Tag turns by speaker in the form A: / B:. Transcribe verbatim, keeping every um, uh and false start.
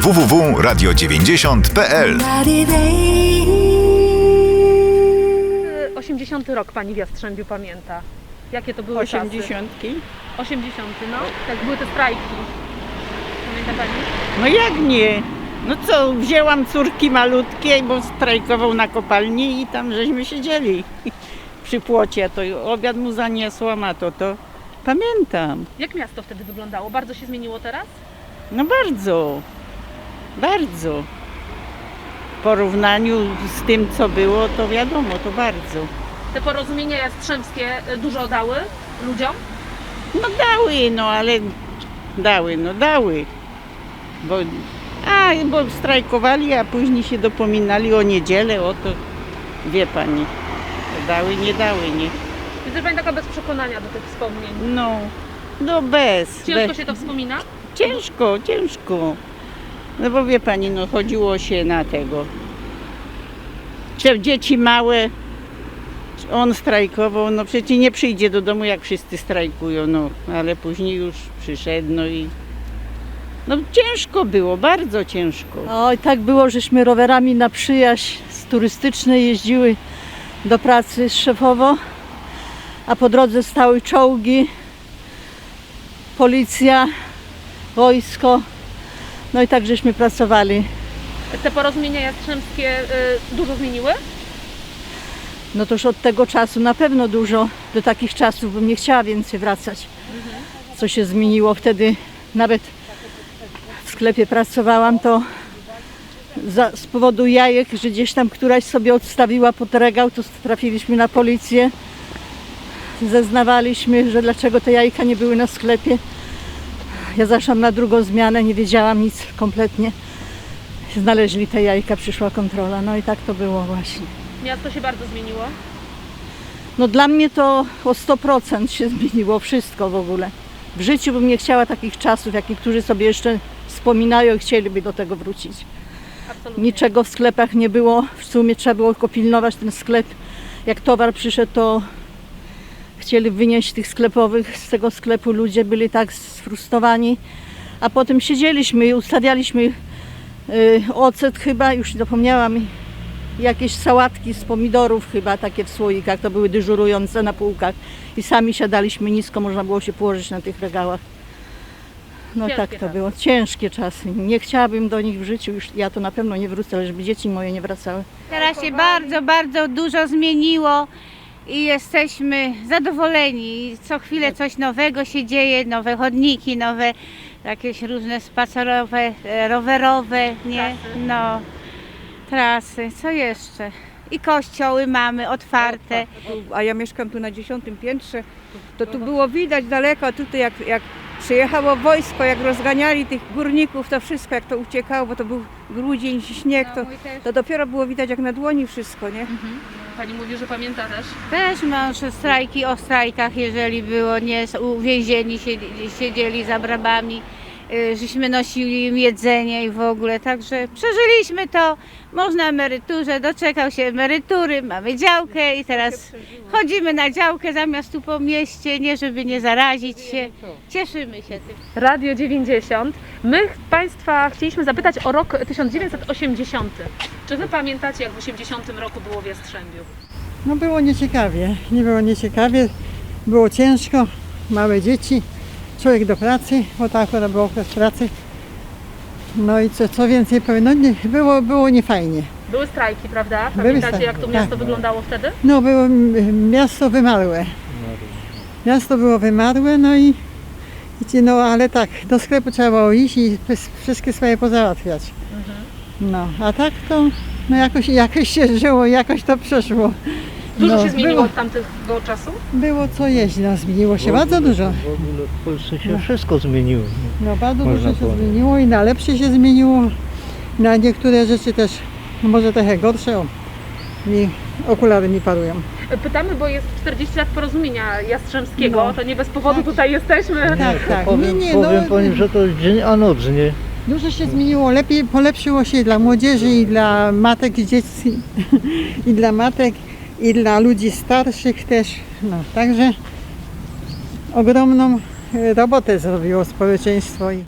A: w w w kropka radio dziewięćdziesiąt kropka p l.
B: osiemdziesiąty rok pani w Jastrzębiu pamięta. Jakie to były
C: Osiemdziesiątki?
B: czasy? osiemdziesiąty, no. Tak były te strajki. Pamięta pani?
C: No jak nie? No co, wzięłam córki malutkie, bo strajkował na kopalni i tam żeśmy siedzieli przy płocie. To obiad mu zaniosłam, a to to pamiętam.
B: Jak miasto wtedy wyglądało? Bardzo się zmieniło teraz?
C: No bardzo, bardzo. W porównaniu z tym, co było, to wiadomo, to bardzo.
B: Te porozumienia jastrzębskie dużo dały ludziom?
C: No dały, no ale dały, no dały. Bo, a, bo strajkowali, a później się dopominali o niedzielę, o to, wie pani, dały, nie dały, nie.
B: Jest pani taka bez przekonania do tych wspomnień.
C: No, no bez.
B: Ciężko
C: bez.
B: się to wspomina?
C: Ciężko, ciężko. No bo wie pani, no chodziło się na tego. Czy dzieci małe, on strajkował, no przecież nie przyjdzie do domu, jak wszyscy strajkują, no ale później już przyszedł, no i no ciężko było, bardzo ciężko.
D: Oj, tak było, żeśmy rowerami na przyjaźń z turystycznej jeździły do pracy z Szefowo, a po drodze stały czołgi, policja, wojsko, no i tak żeśmy pracowali.
B: Te porozumienia jastrzębskie y, dużo zmieniły?
D: No to już od tego czasu na pewno dużo, do takich czasów bym nie chciała więcej wracać. Co się zmieniło wtedy, nawet w sklepie pracowałam, to za, z powodu jajek, że gdzieś tam któraś sobie odstawiła pod regał, to trafiliśmy na policję. Zeznawaliśmy, że dlaczego te jajka nie były na sklepie. Ja zaszłam na drugą zmianę, nie wiedziałam nic kompletnie. Znaleźli te jajka, przyszła kontrola, no i tak to było właśnie.
B: Miasto się bardzo zmieniło.
D: No dla mnie to o sto procent się zmieniło wszystko w ogóle. W życiu bym nie chciała takich czasów, jak niektórzy sobie jeszcze wspominają i chcieliby do tego wrócić.
B: Absolutnie.
D: Niczego w sklepach nie było, w sumie trzeba było tylko pilnować ten sklep. Jak towar przyszedł, to chcieli wynieść tych sklepowych z tego sklepu, ludzie byli tak sfrustrowani. A potem siedzieliśmy i ustawialiśmy y, ocet chyba, już zapomniałam, jakieś sałatki z pomidorów chyba, takie w słoikach, to były dyżurujące na półkach. I sami siadaliśmy nisko, można było się położyć na tych regałach. No
B: Ciężkie
D: tak to
B: czasy.
D: było, ciężkie czasy. Nie chciałabym do nich w życiu, już ja to na pewno nie wrócę, ale żeby dzieci moje nie wracały.
E: Teraz się bardzo, bardzo dużo zmieniło i jesteśmy zadowoleni. Co chwilę coś nowego się dzieje, nowe chodniki, nowe jakieś różne spacerowe, e, rowerowe, nie? No, trasy, co jeszcze? I kościoły mamy otwarte.
F: A ja mieszkam tu na dziesiątym piętrze, to tu było widać daleko, a tutaj jak, jak przyjechało wojsko, jak rozganiali tych górników, to wszystko, jak to uciekało, bo to był grudzień, śnieg, to, to dopiero było widać jak na dłoni wszystko, nie?
B: Pani mówi, że pamięta też.
E: Też mąż strajki o strajkach, jeżeli było, nie, uwięzieni siedzieli, siedzieli za brabami, y, żeśmy nosili im jedzenie i w ogóle, także przeżyliśmy to, można emeryturze, doczekał się emerytury, mamy działkę i teraz chodzimy na działkę zamiast tu po mieście, nie żeby nie zarazić się, cieszymy się tym.
B: Radio dziewięćdziesiąt. My Państwa chcieliśmy zapytać o rok tysiąc dziewięćset osiemdziesiąty. Czy Wy pamiętacie, jak w osiemdziesiątym roku było w Jastrzębiu?
G: No było nieciekawie, nie było nieciekawie, było ciężko, małe dzieci, człowiek do pracy, bo tak akurat był okres pracy. No i co, co więcej powiem, no nie, było, było niefajnie.
B: Były strajki, prawda?
G: Były
B: Pamiętacie,
G: strajki,
B: jak to miasto
G: tak.
B: wyglądało wtedy?
G: No było m- miasto wymarłe, miasto było wymarłe, no i i no ale tak, do sklepu trzeba było iść i pys- wszystkie swoje pozałatwiać. No, a tak to no jakoś, jakoś się żyło, jakoś to przeszło.
B: Dużo
G: No,
B: się zmieniło
G: było,
B: od tamtego czasu?
G: było co jeść, no zmieniło się bardzo dużo.
H: W ogóle w Polsce się wszystko zmieniło.
G: No bardzo
H: Można
G: dużo się
H: powiedzieć.
G: zmieniło i na lepsze się zmieniło. Na niektóre rzeczy też no może trochę gorsze. O, mi okulary mi parują.
B: Pytamy, bo jest czterdzieści lat porozumienia jastrzębskiego,
G: No.
B: to nie bez powodu
G: Tak.
B: tutaj jesteśmy.
G: Tak, tak.
H: Powiem,
G: nie, nie,
H: powiem
G: no,
H: pani, że to dzień a noc, nie?
G: dużo się zmieniło, lepiej polepszyło się dla młodzieży i dla matek i dzieci, i dla matek, i dla ludzi starszych też. No, także ogromną e, robotę zrobiło społeczeństwo.